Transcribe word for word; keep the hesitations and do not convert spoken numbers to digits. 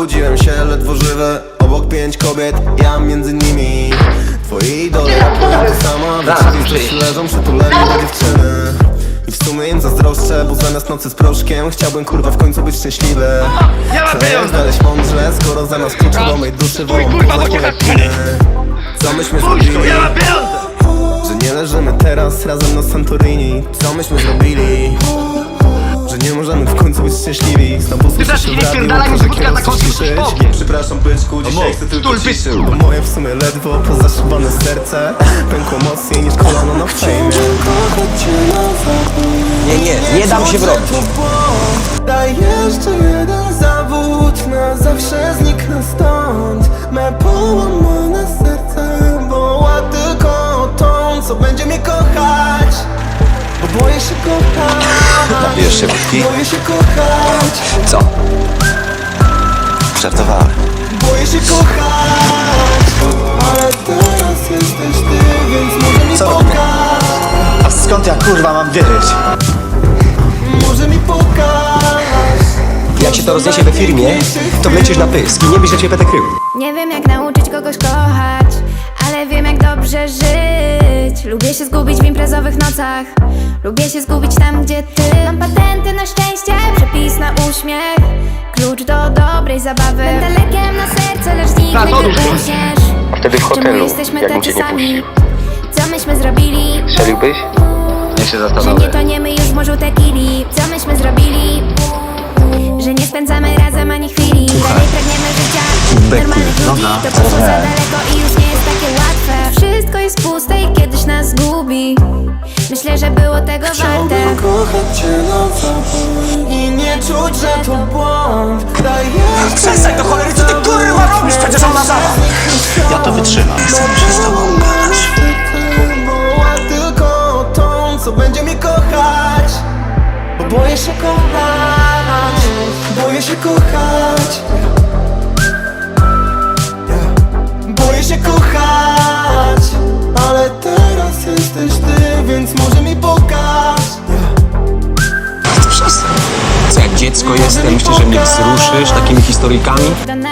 Obudziłem się ledwo żywy, obok pięć kobiet, ja między nimi. Twoi idole rapują to samo, w rzeczywistości leżą przytuleni do dziewczyny. I w sumie im zazdroszczę, bo zamiast nocy z proszkiem chciałbym kurwa w końcu być szczęśliwy. Co jak znaleźć mądrze, skoro zamiast klucza do mej duszy wolą poznać moje piny. Co myśmy zrobili? Że nie leżymy teraz razem na Santorini. Co myśmy zrobili? Że nie możemy w końcu być szczęśliwi. Znowu słyszę się w radiu, że kierunek coś ciszyć. Przepraszam byczku, dzisiaj chcę tylko ciszyć. Bo moje w sumie ledwo pozaszywane serce pękło mocniej niż kolano na fejmie. Nie, nie, nie dam się wrobić. Daj jeszcze jeden zawód, na zawsze zniknę stąd. Me połamane serce woła tylko tą, co będzie mnie kochać. Bo boję się kochać. Napijesz się wódki? Boję się kochać. Co? Żartowałem. Boję się kochać. Ale teraz jesteś ty, więc może mi Co robimy? pokaż. A skąd ja kurwa mam wiedzieć? Może mi pokaż. Jak się to rozniesie we firmie, to wlecisz na pysk i nie wiesz, że cię będę krył. Nie wiem jak nauczyć kogoś kochać, ale wiem jak dobrze żyć. Lubię się zgubić w imprezowych nocach, lubię się zgubić tam gdzie ty. Mam patenty na szczęście, przepis na uśmiech, klucz do dobrej zabawy. Będę lekiem na serce, lecz zniknę gdy uśniesz. Wtedy w Czemu hotelu, jesteśmy jakbym tacy cię nie sami? puścił. Co myśmy zrobili? Strzeliłbyś? Niech się Że zastanowię. nie toniemy już w morzu tequili. Co myśmy zrobili? Że nie spędzamy razem ani chwili. Dalej pragniemy życia normalnych ludzi. To poszło za daleko i już nie jest takie łatwe. Wszystko jest puste i kiedyś nas zgubi. Myślę, że było tego warte. Chciałbym kochać cię na zawód i nie czuć, że to błąd. Daj jeszcze Przestań do cholery, co ty kurwa robisz? Przecież ona zaraz. Ja to wytrzymam. Chcę się z tobą gadać. woła tylko tą, co będzie mnie kochać. Bo boję się kochać. Boję się kochać. Boję się kochać. Ale teraz jesteś ty, więc może mi pokaż. Przestań. Co jak dziecko jestem, myślisz, że mnie wzruszysz takimi historyjkami? To